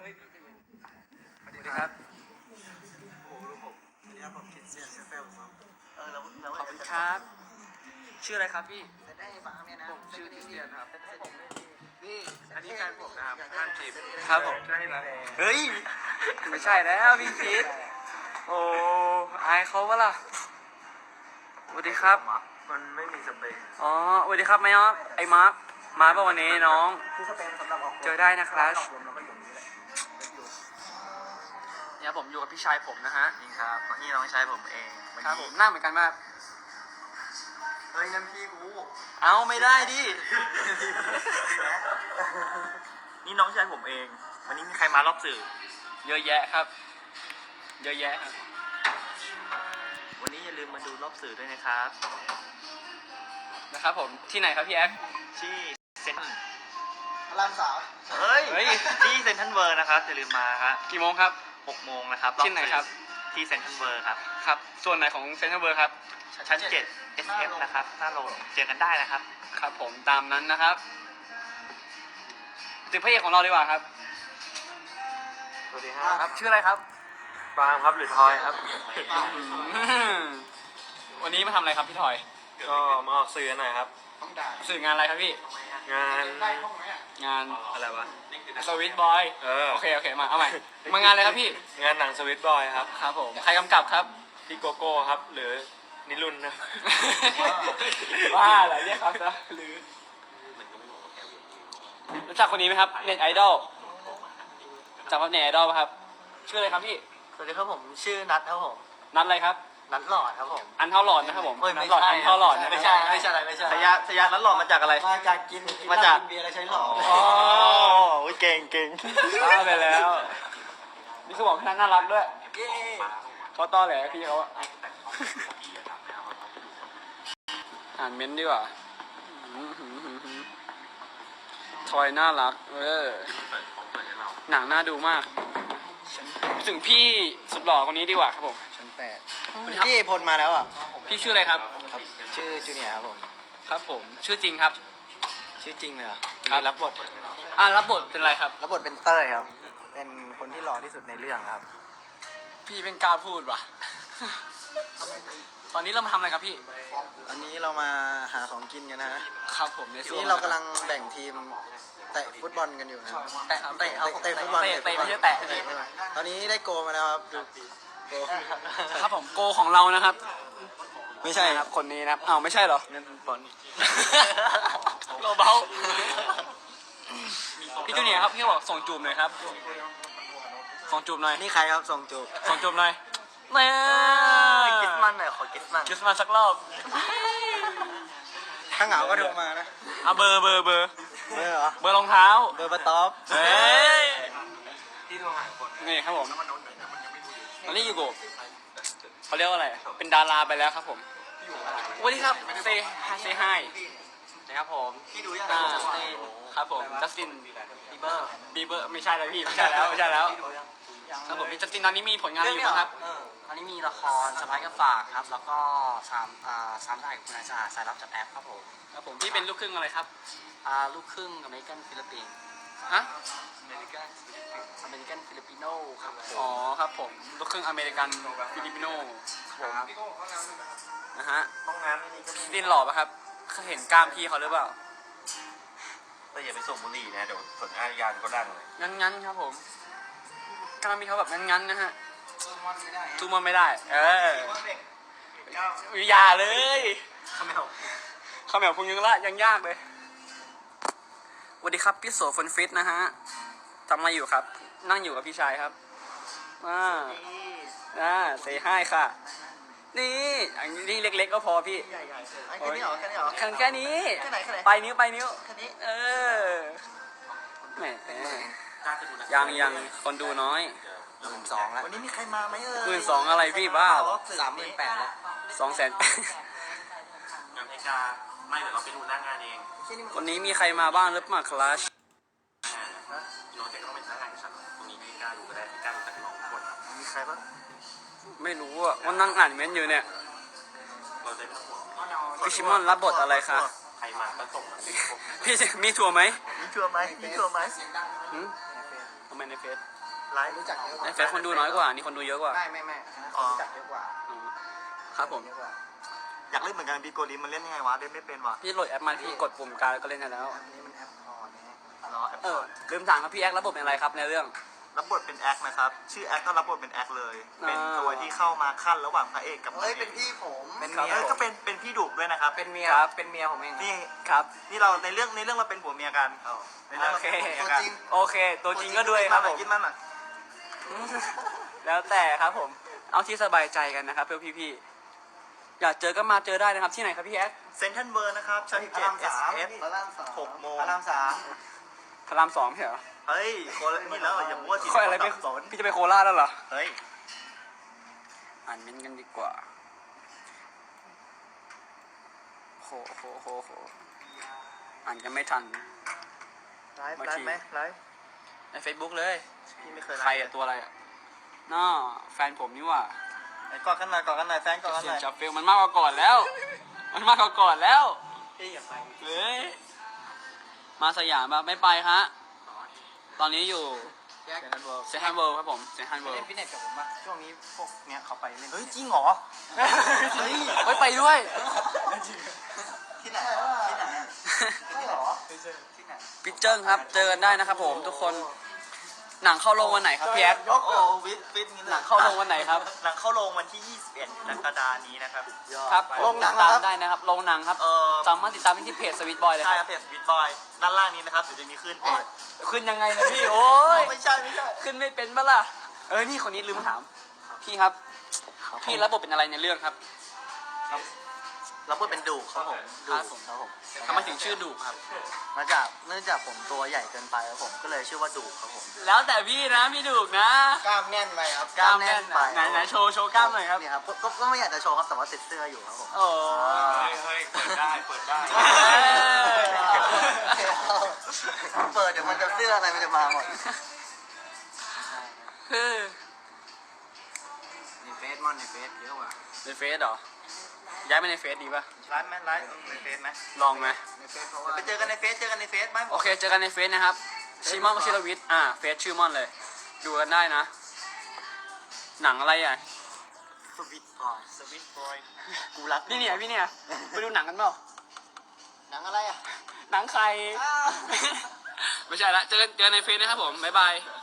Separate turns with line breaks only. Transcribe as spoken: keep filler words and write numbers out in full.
สวัสดีครับ
โอ้โหรู้ผมอันนี้ผมคิดเสียงเซฟเฟลครับเออแล้วแล้ว
ขอบคุณครับ ชื่ออะไรครับพี่
จะได้ฟังเนี่ยนะ
ผมชื่อคริสเตียนครับ
นี่อันนี้แฟนผมนะครับห้ามจีบ
ครับผม
ได้แล้ว
เฮ้ย ไม่ใช่แล้วพี่คิด โอ้อายเขาปะล่ะสวัสดีครับ
มันไม่มีสเปค
อ๋อสวัสดีครับไมออฟไอ้มาร์คมาป่ะวันนี้น้อง
คือสเปคสำหรับออก
เจอได้นะครับ
ออกลมแล้วก็อยู่นี่แหละ
เนี่ยผมอยู่กับพี่ชายผมนะฮะ
นี่ครับนี่น้องชายผมเอง
ครับผมหน้าเหมือนกันมาก
เฮ้ยนั่นพี่กู
เอาไม่ได้ดิ
นี่น้องชายผมเอง วันนี้มีใครมารอบสื่อ
เยอะแยะครับ เยอะแยะครับ
วันนี้อย่าลืมมาดูรอบสื่อด้วยนะครับ
นะครับผม ที่ไหนครับพี่แอ๊ก
ที่เซ็น
พระรามสาม
เฮ้ย
เฮ้ย
ที่เซ็นทรัลเวิร์นะครับอย่าลืมมาครับ
กี่โมงครับ
หกโมงนะครับ
ที่ไหนครับ
ที่เซ็นทรัลเวิร์ครับ
ครับ ส่วนไหนของเซ็นทรัลเวิร์ครับ
ชั้นเจ็ด เอส เอฟ นะครับ หน้าโรงเจอกันได้นะครับ
ครับผมตามนั้นนะครับถึงพระเอกของเราดีกว่าครับ
สวัสดีครับ
ครับ ชื่ออะไรครับ
ปาล์มครับหรือทอยครับ
วันนี้มาทำอะไรครับพี่ถอย
ก็มาออกสื่อหน่อยครับ
สื่องานอะไรครับพี่
งาน
งาน
อะไรวะ
สวิตบอย
เออ
โอเคโอเคมาเอาใหม่มางานอะไรครับพี่
งานหนังสวิตบอยครับ
ครับผมใครกำกับครับ
พี่โกโก้ครับ หรือนิรุนนะ
ว่าเหรอเรียกครับซะหรือรู้จักคนนี้ไหมครับเน็ตไอดอลจากว่าเน็ตไอดอลครับชื่ออะไรครับพี่
สวัสดีครับผมชื่อนัทครับผม
นัดอะไรครับ
นัทหลอดครับผม
อันเท่าหลอดนะครับผม
เฮ้ย
นั
ไม่
ดหลอด
ใช่
อันเท่าหลอดนะ
ไม่ใช่ไม่ใช่ไม่ใช่
สยาสยานั้นหล่อมาจากอะไร
มาจากกิน
มาจาก
กินเบียร์แล้วใช้หลอด
อ๋อ
โอ้ยเก่งเก่ง
บ้าไปแล้ว นี่คือบอกพี่นัทน่ารักด้วย
เย้
เขาต้อแหลพี่เขาอะอ่านเม้นต์ดีกว่าทอยน่ารัก เออ หนังน่าดูมาก ถึงพี่สุดหล่อคนนี้ดีกว่าครับผม
ชั้นแปด
สวัสดีครับ
พี่พลมาแล้วอ่ะ
พี่ชื่ออะไรครับ
ครับชื่อจูเนียร์ครับผม
ครับผม ชื่อจริงครับ
ชื่อจริงเลยเหรอ
ครับ
รับบท
อ่ารับบทเป็นอะไรครับ
รับบทเป็นเต้ยครับ เป็นคนที่หล่อที่สุดในเรื่องครับ
พี่เป็นกล้าพูดว่ะ ตอนนี้เรามาทำอะไรครับพี่
อันนี้เรามาหาของกินกันนะฮะ
ครับผมในส่วน
นี่เรากำลังแบ่งทีมเตะฟุตบอลกันอยู่นะ
แตะเตะเอา
เตะฟุตบอล
เตะเตะไม่ใช่แตะ
ตอนนี้ได้โกลมาแล้วครับดูโกล
ครับผมโกของเรานะครับ
ไม่ใช่ครับ
คนนี้นะครับอ้าวไม่ใช่เหรอ
เงินบอล
โลเบาพี่จูเนียร์ครับพี่บอกส่งจูบหน่อยครับ ส่งจูบหน่อย
นี่ใครครับส่งจูบ
ส่งจูบหน่อยเนี่ย
กิสมันหน่อยขอกิสมัน
คิสมาสักรอบ
ถ้าเหงาก็โทรมานะ
เอาเบอร์เบอร์เบอร์
เบอร์เหรอ
เบอร์รองเท้า
เบอร์ปะต๊อบ
เฮ้ยนี่ครับผมตอนนี้อยู่กับเขาเรียกว่าอะไร เป็นดาราไปแล้วครับผมสวัสดีครับเซเซไฮนะครับผม
พี่ดูยัง
อ่าครับผมจัสตินบีเบอร์บีเบอร์ไม่ใช่แล้วพี่ไม่ใช่แล้วไม่ใช่แล้วครับผมพี่จัสตินตอนนี้มีผลงานอะไรอยู่บ้างครับ
ตอนนี้มีละครสไปกับฝากครับ แล้วก็สามอ่าสามสายกับคุณนายสะอาดสายรับจากแอปครับผม
ครับผมพี่เป็นลูกครึ่งอะไรครับ
อ่าลูกครึ่งอเมริกันฟิลิปปินส์
ฮะ
อเมริกันอเมริกันฟิลิปปิโนครับผม
อ๋อครับผมลูกครึ่งอเมริกันฟิลิปปิโนครับผมนะฮะ
ห้องน้ำนี่ก็มี
ดินหล่อปะครับเคยเห็นกล้ามพี่เขาหรือเปล่า
แต่อย่าไปส่งบุหรี่นะเดี๋ยวผลอาญาก็ดังเลย
งั้นงั้นๆครับผมกล้ามพี่เขาแบบงั้นงั้นๆนะฮะทูมันไม่ได้ เอออย่าเลยข้าวแมวข้าวแมวพุงยังละยังยากเลยสวัสดีครับพี่โสฟนฟิตนะฮะทำอะไรอยู่ครับ นั่งอยู่กับพี่ชายครับอ่าอ่าเซฮายค่ะ นี่อันนี้เล็กๆก็พอพี่
ใหญ่ใหญ่แค่นี้เหรอแค่นี้เหรอ
แค่แค่นี้
แค่ไหนแค่ไหน
ไปนิ้วไปนิ้ว
แค่นี้
เออแหมยังยังคนดูน้อย
หมื่นสองแล้ววันนี้มีใครมาไหมเอ่ย
หมื่นสองอะไรพี่บ้าเหรอ
สามหมื่นแปดแล้ว
สองแสน
งานเพกาไม่เดี๋ยวเราไปดูหน้างานเอง
วันนี้มีใครมาบ้างหรือเปล่าคลาส
น้องเจ๊ก็ต้องเป็นหน้างานกับฉันตรงนี้ไม่กล้าดูก็ได้ไม่กล้าดูแต่น้องคนมีใครบ้าง
ไม่รู้อ่ะว่านั่งอ่านเม้นต์อยู่เนี่ย
เราได้ทั้งหมด
พี่ชิมอนรับบทอะไรคะ
ใครมาก็ส่งมา
พี่มีถั่วไหม
มีชัวร์ไหมมีชัวร์ไหม
หืมคอมเมนต์ในเฟซ
ไลฟ์
รู้จักเยอะก
ใน
ว่า
เฟซคนดูน้อยกว่านี่คนดูเยอะกว่า
ไม่ไม่ไม่คนรู้จักเยอะกว่า
อืมครับผม
เยอะกว่า
อยากเล่นเหมือนกันบีโกลิมมันเล่นยังไงวะเล่นไม่เป็นวะ
พี่โหลดแอปมาพี่กดปุ่มกลางแล้วก็เล่นได้แล้ว
อันนี้มันแอปออนนะฮะ
รอแอป
เออลืมถามครับพี่แอครับบทเป็นอะไรครับในเรื่อง
รับบทเป็นแอคนะครับชื่อแอคก็รับบทเป็นแอคเลย
อ่า
เป็นตัวที่เข้ามาขั้นระหว่างพระเอกกับ
เฮ้ยเป็นพี่ผม
เป็น
เออก็เป็นเป็นพี่ดุด้วยนะครับ
เป็นเมีย
ครับ
เป็นเมียผมเอง
นี่
ครับ
นี่เราในเรื่องในเรื่องเราเป็นผัวเมียกันในเรื่อง
โอ
เรา
เค
เป็นผัว
ตัว
เมียกัน
จริง
โอเค ตัวจริงก็ด้วยครับผม
กินมันหน่อย
แล้วแต่ครับผม เอาที่สบายใจกันนะครับเพื่อพี่ๆ อยากเจอก็มาเจอได้นะครับที่ไหนครับพี่แอค
เซนทันเวิร์นะครับชั้น
พระ
เจ็ด
ราม
เอ
สา
ส
ม
เอฟ
พระรามสาม
หกโมง
พระรามสาม
พระรามสองใช่เหรอ
เฮ้ยคนละนี่แล้วอย่ามัวสิ
ค่อยอะไรไป
สับสน
พี่จะไปโคราชแล้วเหรอ
เฮ้ย
อ่านเม้นต์กันดีกว่าโหโหโหโหอ่านกันไม่ทัน
ไลฟ์
บาง
ไล
ที
ฟ์ไหมไลฟ์
ใน Facebook เลย
พี่ไม่เคยไล
ใคร
ฟ์
อะตัวอะไรอะน่าแฟนผมนี่หว่า
ไอ้กอดกันหน่อยกอดกันหน่อยแฟนกอดกัน
เสี
ห
ย
น่
ง
อย
จับเฟลมันมากกว่าก่อนแล้ว มันมากกว่าก่อนแล้ว
พี่อย่าไป
เฮ้ย มาสยามแบบไม่ไปฮะ ตอนนี้อยู่
แยก
เซนทันเวิร์
เซนทรัลเวิลด์ครับผมเซนทรัล
ไป
เวิล
เล่น
ด์
ฟิตเนสกับผมป่ะช่วงนี้พวกเนี้ยเขาไปเล่น
เฮ้ย
ฟิต
จ
เนส
ริงเหรอ
เฮ้ยไปด้วย
ที่ไหนที่ไหน
ใช่เหรอ
ที่ไหน
ปิเจิ้งครับ เจอกันได้นะครับผมทุกคน หนังเข้าโรงวันไหนครับพี่แอด
ยกโอ้วิทวิทงี้
หนังเข้าโรงวันไหนครับ
หนังเข้าโรงวันที่ยี่สิบเอ็ดกรกฎาคมนี้นะครับ
ครับ
โรงหนัง
ติดตาม
เหรอครับ
ได้นะครับโรงหนังครับ
เออ
สามารถติดตามได้ที่เพจสวิตบอยเลยค
ใช่ค
รั
รั
บบ
เพจวิทบอยด้านล่างนี้นะครับเดี๋ยวจะมีขึ้นเพจ
ขึ้นยังไงนะพี่ โอ้ย
ไม่ใช่ไม่ใช่
ขึ้นไม่เป็นปะล่ะ เออ นี่คนนี้ลืมถาม พี่ครับ พี่รับบทเป็นอะไรในเรื่องครับ
เราพูดเป็นดูครับผม
ค
ดู
รับผม
ครับผม
ทำไมถึงชื่อดุครับ
มาจากเนื่องจากผมตัวใหญ่เกินไปครับผมก็เลยชื่อว่าดูครับผม
แล้วแต่พี่นะพี่ดุนะ
กล้ามแน่นไปครับ
กล้ามแน่นอะไหนไหนโชว์โชว์กล้ามหน่อยครับ
นี่ครับก็ก็ก็ไม่อยากจะโชว์ครับแต่ว่าติดเสื้ออยู่ครับผม
โอ้
เฮ้
ย
ยเฮ้ยเปิดได้เปิดได้
เปิดเดี๋ยวมันจะเสื้ออะไรมันจะมาหมด
เฮ้ย
ในเฟซมอนในเฟซเยอะกว่า
ในเฟซเหรอ ย้ายไปในเฟซดีป่ะ
ไลฟ์ไหมไลฟ์ในเฟซไหม
ลองไหม
ในเฟซเพราะว่า
ไปเจอกันในเฟซเจอกันในเฟซไหม
โอเค เจอกันในเฟซนะครับ ชิมอนวชิรวิทย์ อ่า เฟซชื่อมอนเลย ดูกันได้นะ หนังอะไรอ่ะ
สวิตบอย
สวิตบอย
กูรัก
พี่เนี่ย พี่เนี่ย ไปดูหนังกันเปล่า
หนังอะไรอ่ะ
หนังใคร ไม่ใช่ละ เจอกันเจอกันในเฟซนะครับผม บ๊ายบาย